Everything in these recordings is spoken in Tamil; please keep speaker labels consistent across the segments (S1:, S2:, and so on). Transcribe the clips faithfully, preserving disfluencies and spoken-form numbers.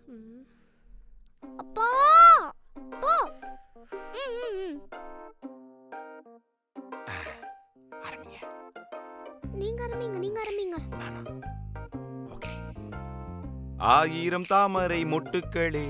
S1: அப்பா போ.
S2: ஆரம்பிங்க.
S1: நீங்க ஆரம்பிங்க நீங்க ஆரம்பிங்க.
S2: ஓகே. ஆயிரம் தாமரை மொட்டுக்களே.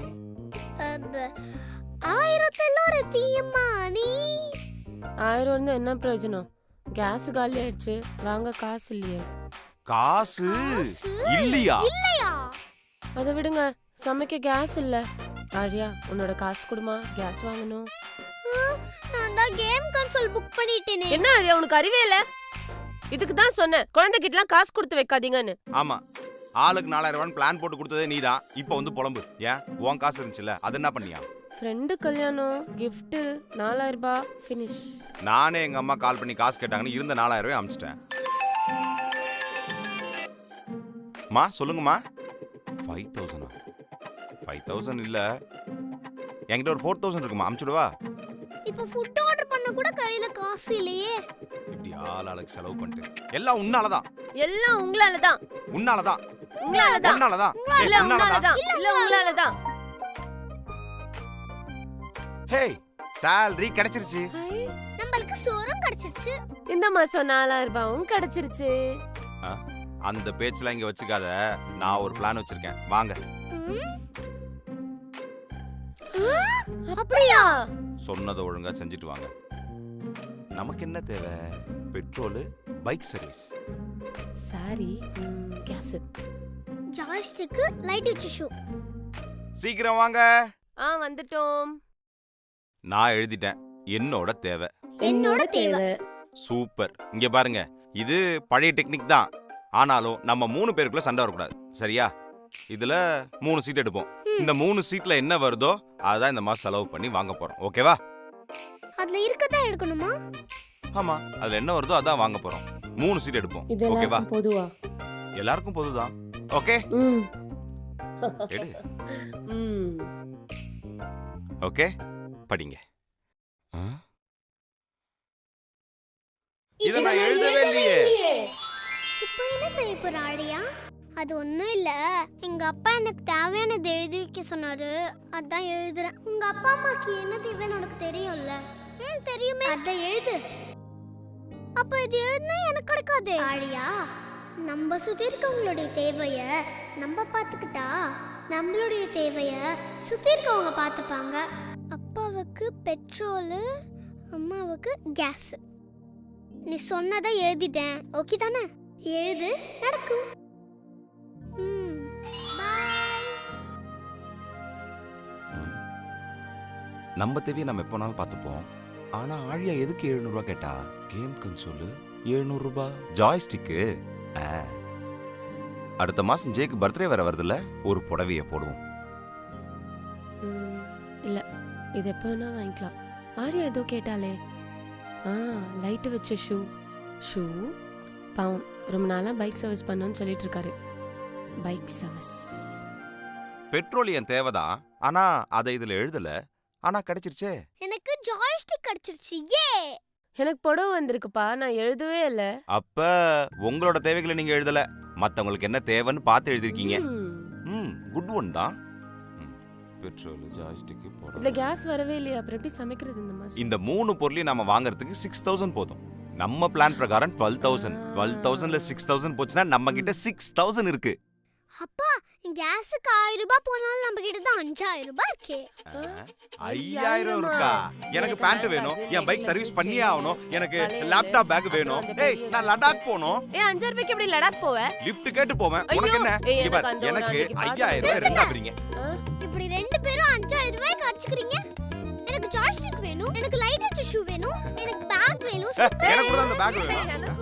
S1: ஆயிரத்துல ஒரு தீயம்மா நீ.
S3: ஆயிரம் வந்து என்ன பிரயோஜனம்? கேஸ் காலி ஆயிடுச்சு, வாங்க காசு இல்லையே.
S2: காசு இல்லையா?
S1: இல்லையா?
S3: அதை விடுங்க, சமைக்க கேஸ் இல்ல. ஆழியா, உன்னோட காசு கொடுமா, கேஸ் வாங்கணும்.
S1: நான் தான் கேம் கன்சோல் புக் பண்ணிட்டேனே.
S3: என்ன ஆழியா, உனக்கு அறிவே இல்ல? இதுக்கு தான் சொன்னேன், குழந்தைகிட்டலாம் காசு கொடுத்து வைக்காதீங்கன்னு.
S2: ஆமா, ஆளுக்கு நாலாயிரம் ரூபாய் பிளான் போட்டு கொடுத்ததே நீதான். இப்போ வந்து புலம்பு. ஏன் உன் காசு இருந்துச்சுல, அது என்ன பண்ணியா?
S3: ஃப்ரெண்டு கல்யாணம், கிஃப்ட், நாலாயிரம் ரூபாய் ஃபினிஷ்.
S2: நானே எங்க அம்மா கால் பண்ணி காசு கேட்டாங்கன்னு இருந்த நாலாயிரம் ரூபாய் அமிச்சிட்டேன். மா சொல்லுங்கம்மா. ஃபைவ் தௌசண்டா? ஃபைவ் தௌசண்ட் இல்ல, என்கிட்ட ஒரு ஃபோர் தௌசண்ட் இருக்குமா, அமிச்சுடுவா?
S1: இப்போ ஃபுட் ஆர்டர் பண்ண கூட கையில காசு இல்லையே.
S2: இப்படி ஆள் ஆளுக்கு செலவு பண்ணிட்டு எல்லாம் உன்னாலதான்.
S3: எல்லாம் உங்களாலதான்.
S2: உன்னாலதான்.
S3: உங்களாலதான்.
S2: உன்னாலதான்.
S3: இல்ல உங்களாலதான். இல்ல உங்களாலதான்.
S2: ஹே, salary கிடைச்சிருச்சு.
S1: நமக்கு சோறும் கிடைச்சிருச்சு.
S3: இந்த மாசம் நாலாயிரம் ரூபாயும் கிடைச்சிருச்சு.
S2: அந்த பேச்செல்லாம் இங்க வச்சுக்காத, நான் ஒரு பிளான் வச்சிருக்கேன், வாங்க.
S3: அப்படியா?
S2: சொன்னதை ஒழுங்கா செஞ்சுட்டு வாங்க. நமக்கு என்ன தேவை? Petrol, bike service.
S3: Sari, gas.
S1: Joystick, light வச்ச ஷூ.
S2: சீக்கிரம் வாங்க.
S3: ஆ வந்துட்டோம்.
S2: நான் எழுதிட்டேன், என்னோட தேவை.
S1: என்னோட தேவை.
S2: சூப்பர். இங்க பாருங்க, இது பழைய டெக்னிக் தான், ஆனாலும் நம்ம மூணு பேருக்குள்ள சண்டை வரக்கூடாது, சரியா? இதுல மூணு சீட் எடுப்போம். இந்த மூணு சீட்ல என்ன வருதோ அதான் இந்த மாசம் செலவு பண்ணி வாங்க போறோம், ஓகேவா?
S1: அதுல இருக்கதா எடுக்கணுமா?
S2: ஆமா, அதுல என்ன வருதோ அதான் வாங்க போறோம். மூணு சீட் எடுப்போம், ஓகேவா?
S3: பொதுவா
S2: எல்லாருக்கும் பொதுதான், ஓகே? எடு. ஓகே, படிங்க. இத நான் எழுதவே இல்லையே.
S1: இப்போ என்ன செய்ய போற ஆழியா? அது ஒண்ணும் இல்ல, எங்க அப்பா எனக்கு தேவையானது எழுதி வைக்க சொன்னாரு, அதான் எழுதுறேன். உங்க அப்பா அம்மாக்கு என்ன தேவைன்னு உனக்கு தெரியும்ல? ம் தெரியுமே. அத எழுது. அப்ப இது எழுதுனா எனக்கு கிடைக்காது ஆழியா. நம்ம சுத்தி இருக்கவங்களுடைய தேவைய நம்ம பார்த்துக்கிட்டா நம்மளுடைய தேவைய சுத்தி இருக்கவங்க பார்த்துப்பாங்க. அப்பாவுக்கு பெட்ரோலு, அம்மாவுக்கு கேஸ். நீ சொன்னதை எழுதிட்டேன், ஓகே தானே? எழுது, நடக்கும்.
S2: நம்ம தேவையை நம்ம எப்போனாலும் பார்த்துப்போம். ஆனா ஆழியா எதுக்கு எழுநூறு ரூபாய் கேட்டா? கேம் கன்சோலு எழுநூறு ரூபாய், ஜாய்ஸ்டிக்கு. அடுத்த மாசம் ஜேக்கு பர்த்டே வேற வருதுல்ல, ஒரு புடவைய போடுவோம்.
S3: இல்ல, இது எப்போ வேணா வாங்கிக்கலாம். ஆழியா ஏதோ கேட்டாலே. ஆ லைட் வச்ச ஷூ. ஷூ பாவம், ரொம்ப நாளா பைக் சர்வீஸ் பண்ணணும்னு சொல்லிட்டு இருக்காரு. Bike service.
S2: பெட்ரோல் என் தேவைதான், ஆனா அதை இதுல எழுதல, ஆனா கிடைச்சிருச்சே.
S1: எனக்கு ஜாய்ஸ்டிக் கிடைச்சிருச்சு. ஏ,
S3: எனக்கு புடவை வந்திருக்குப்பா, நான் எழுதவே இல்ல.
S2: அப்ப உங்களோட தேவைகளை நீங்க எழுதல, மத்தவங்களுக்கு என்ன தேவைன்னு பார்த்து எழுதிருக்கீங்க. ம், குட் ஒன் தான். பெட்ரோல், ஜாய்ஸ்டிக், புடவை.
S3: இந்த கேஸ் வரவே இல்லையா, அப்புறம் எப்படி சமைக்கிறது இந்த மாசம்?
S2: இந்த மூணு பொருளையும் நாம வாங்குறதுக்கு சிக்ஸ் தௌசண்ட் போதும். நம்ம பிளான் பிரகாரம் டுவெல் தௌசண்ட். டுவெல் தௌசண்ட்ல சிக்ஸ் தௌசண்ட் போச்சுன்னா நம்ம கிட்ட சிக்ஸ் தௌசண்ட் இருக்கு.
S1: அப்பா, கேஸுக்கு ஆயிரம் ரூபாய் போனாலும் நம்ம கிட்ட தான் அஞ்சாயிரம் ரூபாய் இருக்கே.
S2: ஐயாயிரம் இருக்கா? எனக்கு பேண்ட் வேணும், என் பைக் சர்வீஸ் பண்ணியே ஆகணும், எனக்கு லேப்டாப் பேக் வேணும். ஏய், நான் லடாக் போணும்.
S3: ஏ, அஞ்சாயிரம் ரூபாய்க்கு எப்படி லடாக் போவ?
S2: லிஃப்ட் கேட்டு போவேன். உனக்கு என்ன? எனக்கு ஐயாயிரம் ரூபாய் ரெண்டா பிரிங்க.
S1: இப்படி ரெண்டு பேரும் அஞ்சாயிரம் ரூபாய்க்கு அடிச்சுக்கிறீங்க. எனக்கு ஜாய்ஸ்டிக் வேணும், எனக்கு லைட் வச்ச ஷூ வேணும், எனக்கு பேக் வேணும்.
S2: எனக்கு கூட அந்த பேக் வேணும்.